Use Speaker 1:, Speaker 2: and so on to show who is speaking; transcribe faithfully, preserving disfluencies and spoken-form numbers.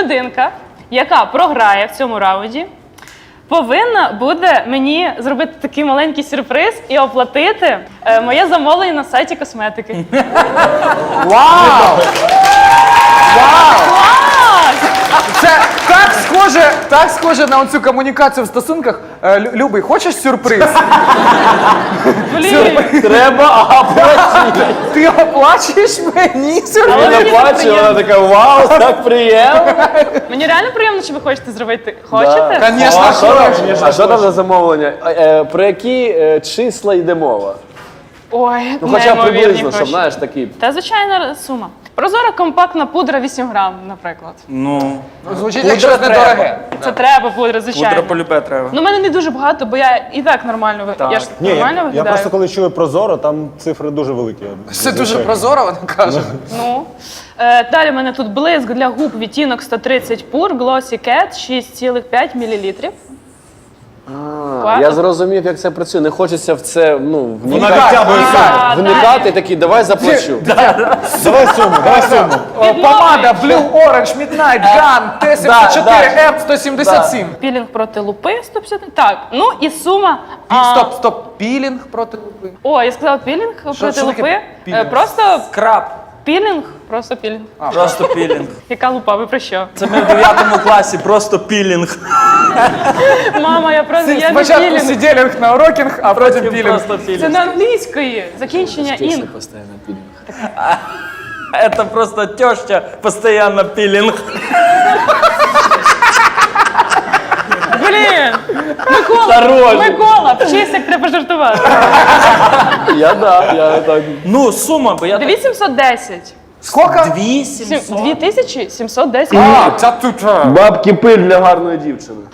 Speaker 1: людинка, яка програє в цьому раунді, повинна буде мені зробити такий маленький сюрприз і оплатити е, моє замовлення на сайті косметики.
Speaker 2: Вау! Вау!
Speaker 1: Клас!
Speaker 2: Це так схоже, так схоже на оцю комунікацію в стосунках. Е, Лю- Любий, хочеш сюрприз?
Speaker 1: Блін!
Speaker 3: Треба, а потім.
Speaker 2: Ти оплачуєш мені сюрприз?
Speaker 1: Але
Speaker 3: Вона
Speaker 1: мені
Speaker 3: плаче,
Speaker 1: приємно.
Speaker 3: вона така, вау, так приємно.
Speaker 1: Мені реально приємно, що ви хочете зробити. Хочете?
Speaker 2: Конечно,
Speaker 3: А що там,
Speaker 2: хочеш.
Speaker 3: а що там за замовлення? Е, е, Про які е, числа йде мова?
Speaker 1: Ой,
Speaker 3: Ну хоча б
Speaker 1: неймовірні
Speaker 3: приблизно, щоб,
Speaker 1: гроші.
Speaker 3: знаєш, такі.
Speaker 1: Та звичайна сума. Прозора компактна пудра вісім грам, наприклад.
Speaker 4: Ну,
Speaker 2: Звучить
Speaker 4: Пудра
Speaker 2: як щось
Speaker 4: треба.
Speaker 2: недороге.
Speaker 1: Це треба пудра, звичайно.
Speaker 4: пудра полюбе треба.
Speaker 1: Ну, в мене не дуже багато, бо я і так нормально ви- Я ж
Speaker 5: Ні,
Speaker 1: нормально
Speaker 5: я, я
Speaker 1: виглядаю.
Speaker 5: просто коли чую Прозоро, там цифри дуже великі.
Speaker 2: Це дуже прозоро, вона каже.
Speaker 1: Ну. Е, далі в мене тут блиск для губ відтінок сто тридцять пур, Glossy Cat, шість цілих п'ять мілілітрів.
Speaker 3: А, я зрозумів, як це працює. Не хочеться в це, ну,
Speaker 5: Вона
Speaker 3: вникати,
Speaker 5: відтягує суму.
Speaker 1: А,
Speaker 3: вникати
Speaker 1: далі.
Speaker 3: такий, давай заплачу.
Speaker 5: Давай суму, давай суму.
Speaker 2: О, Помада Blue Orange Midnight Gun Т сімдесят чотири М сто сімдесят сім.
Speaker 1: Пілінг проти лупи сто п'ятдесят. Так, ну і сума. а,
Speaker 2: Стоп, стоп, пілінг проти лупи.
Speaker 1: О, я сказала пілінг проти
Speaker 2: що таке
Speaker 1: лупи. Е,
Speaker 2: пілінг?
Speaker 1: Просто
Speaker 4: Краб.
Speaker 1: пілінг, просто пілінг.
Speaker 4: Просто пілінг.
Speaker 1: Яка лупа, ви про що?
Speaker 4: Це ми в дев'ятому класі, просто пілінг.
Speaker 1: Мама, я просто я не
Speaker 2: Спочатку
Speaker 1: пілінг.
Speaker 2: сиділінг на урокінг, а потім пілінг.
Speaker 4: Просто
Speaker 1: Це
Speaker 4: пілінг.
Speaker 1: на англійської. Закінчення інг.
Speaker 4: Це просто теща, постійно пілінг.
Speaker 1: Блін! Микола,
Speaker 3: Хорош.
Speaker 1: Микола, вчись, як треба жартувати.
Speaker 3: Я да, я так.
Speaker 4: Ну, сума, бо я так...
Speaker 1: дві тисячі сімсот десять.
Speaker 2: Скільки?
Speaker 4: дві сімсот.
Speaker 1: дві тисячі сімсот десять.
Speaker 2: А, це тут.
Speaker 3: Бабки пиль для гарної дівчини.